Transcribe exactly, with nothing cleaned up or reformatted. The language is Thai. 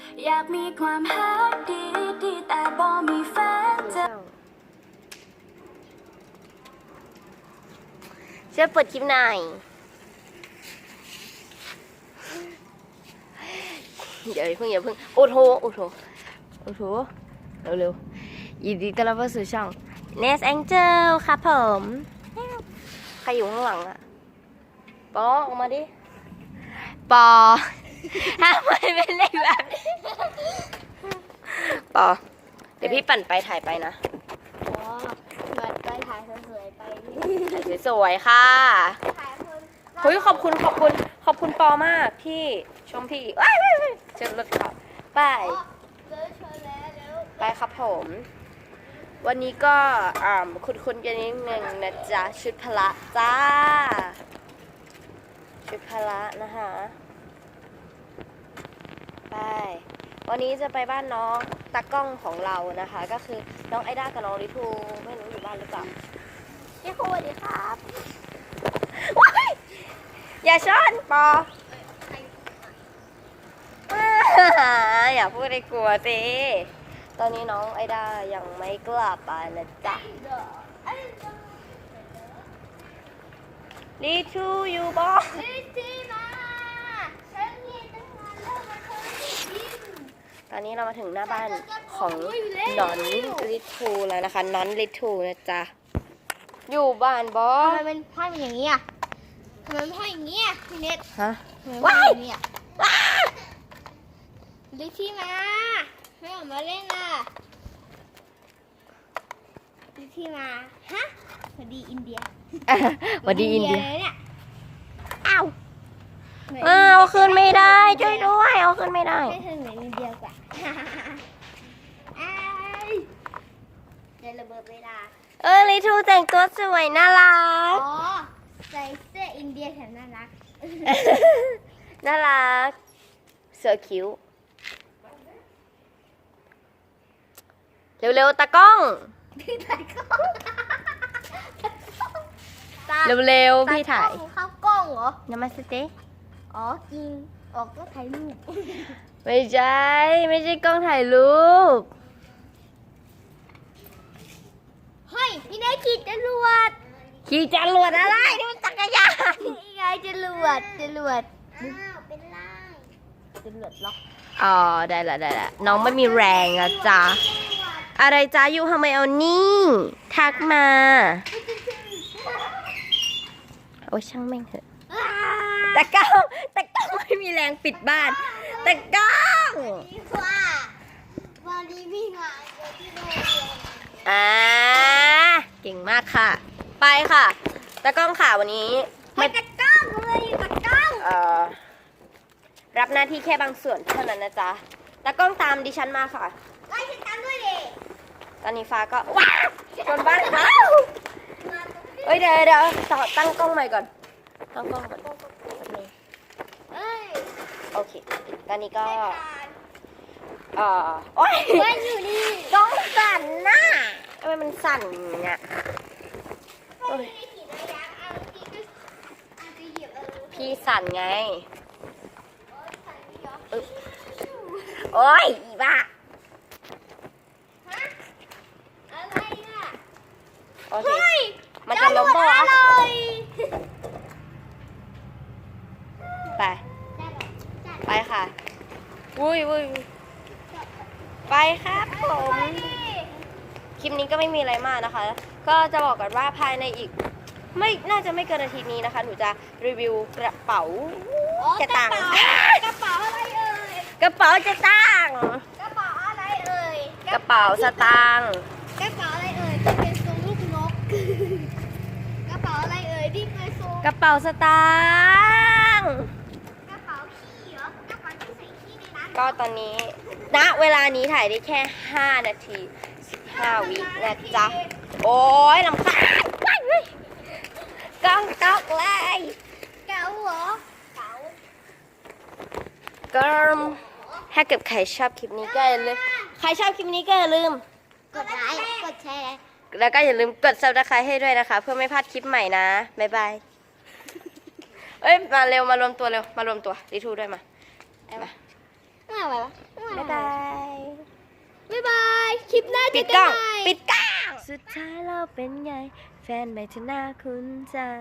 อยากมีความฮักดีดีแต่บ่มีแฟนจะช่วยเปิดคลิปหน่อยเดี๋ยวเพิ่งอย่าเพิ่งโอ้โหโอ้โหโอ้โหเร็วๆยินดีต้อนรับเข้าสู่ช่อง Nest Angel ครับผมใครอยู่ข้างหลังอะปอออกมาดิปอทำไมเป็นเล็กแบบนี้ปอเดี๋ยวพี่ปั่นไปถ่ายไปนะอ๋อแบบไปถ่ายสวยๆไปถ่ายสวยๆค่ะถ่ายคนเฮ้ยขอบคุณขอบคุณขอบคุณปอมากที่ชมพี่ว้ายว้ายว้ายเชิญรถขับไปเจอเชิญแล้วเดี๋ยวไปครับผม วันนี้ก็อ่าคุณคุณกันนิดนึงนะจ๊ะชุดพละจ้าชุดพละนะคะไปวันนี้จะไปบ้านน้องตากล้องของเรานะคะ ก็คือน้องไอด้ากับน้องลิทูไม่รู้อยู่บ้านหรือเปล่าพี่ครูสวัสดีครับว้ายอย่าช้อนปออย่าพูดให้กลัวสิตอนนี้น้องไอด้ายังไม่กลับไปนะจ๊ะลิทูอยู่บ้านลิซี่มาฉันมีตั้งนานแล้วมาเคยกินตอนนี้เรามาถึงหน้าบ้านของนอนลิทูแล้วนะคะนอนลิทูนะจ๊ะอยู่บ้านบอทำไมเป็นผ้าเป็นอย่างนี้อ่ะทำไมเป็นผ้าอย่างนี้อ่ะพี่เน็ตฮะทำไมเป็นผ้าอย่างนี้อ่ะลิซี่มาไม่ออกมาเล่นอ่ะลิซี่มาฮะสวัสดีอินเดียสวัสดีอินเดียเลยเนี่ยอ้าวอ้าวเอาขึ้นไม่ได้ช่วยด้วยเอาขึ้นไม่ได้ให้เธอเหมือนอินเดียกว่าอ้ายเดี๋ยวระเบิดเวลาเออลิทูแต่งตัวสวยน่ารัอ๋กอใส่เสื้ออินเดียแถมน่ารักน่ารักเสือคิ้วเร็วๆตากล้องพี่ถ่ายกล้องเร็วๆพี่ถ่ายเข้ากล้องเหรอนามาสเตอ๋อจริง ออกก็ถ่ายรูปไม่ใช่ไม่ใช่กล้องถ่ายรูปเฮ้ยพี่ได้ขี่จรวดขี่จรวดอะไรนี่มันจักรยานนี่ไงจรวดจรวดอ้าวเป็นไรจรวดล็อกอ๋อได้ละได้ละน้องไม่มีแรงอะจ้ะอะไรจ้าอยู่ทำไมเอานี่ทักมาโอ้ยช่างแม่งเถอะตะก้องตะก้องไม่มีแรงปิดบ้านตะก้องดีกว่าวันนี้พี่งานเยอะที่โรงเรียนอ่าเก่งมากค่ะ ไปค่ะตะก้องค่ะวันนี้ไม่ตะกล้องเลยตะกล้องเอ่อรับหน้าที่แค่บางส่วนเท่านั้นนะจ๊ะตะก้องตามดิฉันมาค่ะไล่ฉันตามด้วยดิตอนนี้ฟ้าก็ว้าวชนบ้านเขาเอ้ยเดี๋ยวเดี๋ยวต่อตั้งกล้องใหม่ก่อนตั้งกล้องก่อนเอ้ยโอเคตอนนี้ก็เอ่อโอ้ยมันอยู่นี่กล้องสั่นน่ะทำไมมันสั่นอย่างเงี้ยไม่ได้ขี่ระยะเอาพี่ก็อาจจะเหยียบอะไรพี่สั่นไงใส่ไม่ยอมอึ๊บโอ้ยอีบ้าฮะอะไรอ่ะโอเคเฮ้ยมันจะล้มปะวะจรวดอร่อยไป ไปค่ะวุ้ยวุ้ยไปครับผม คลิปนี้ก็ไม่มีอะไรมากนะคะ ก็จะบอกกันว่าภายในอีก ไม่น่าจะไม่เกินอาทิตย์นี้นะคะ หนูจะรีวิวกระเป๋าอ๋อจะตังค์กระเป๋ากระเป๋าอะไรเอ่ยกระเป๋าจะตังค์กระเป๋าอะไรเอ่ยกระเป๋าสตางค์กระเป๋าอะไรเอ่ยที่เป็นทรงลูกนก กระเป๋าอะไรเอ่ยที่เป็นทรงกระเป๋าสตางค์กระเป๋าขี้เหรอกระเป๋าที่ใส่ขี้ในร้านก็ตอนนี้ณเวลานี้ถ่ายได้แค่ห้านาทีสิบห้าวินะจ๊ะ โอ้ยลำคาญว้ายเว้ยกล้องตกเลยเก๋าเหรอเก๋าก็ถ้าเกิดใครชอบคลิปนี้ก็อย่าลืมใครชอบคลิปนี้ก็อย่าลืมกดไลค์กดแชร์แล้วก็อย่าลืมกด ซับสไครบ์ ให้ด้วยนะคะ เพื่อไม่พลาดคลิปใหม่นะบ๊ายบายเอ้ยมาเร็วมารวมตัวเร็วมารวมตัวดิทูด้วยมามาไม่เอาไปวะบ๊ายบายลิปหน้าปิเจอดกักล้องนใหม่ปิดกล้อง สุดท้ายเราเป็นไง แฟนใหม่เธอหน้าคุณจัง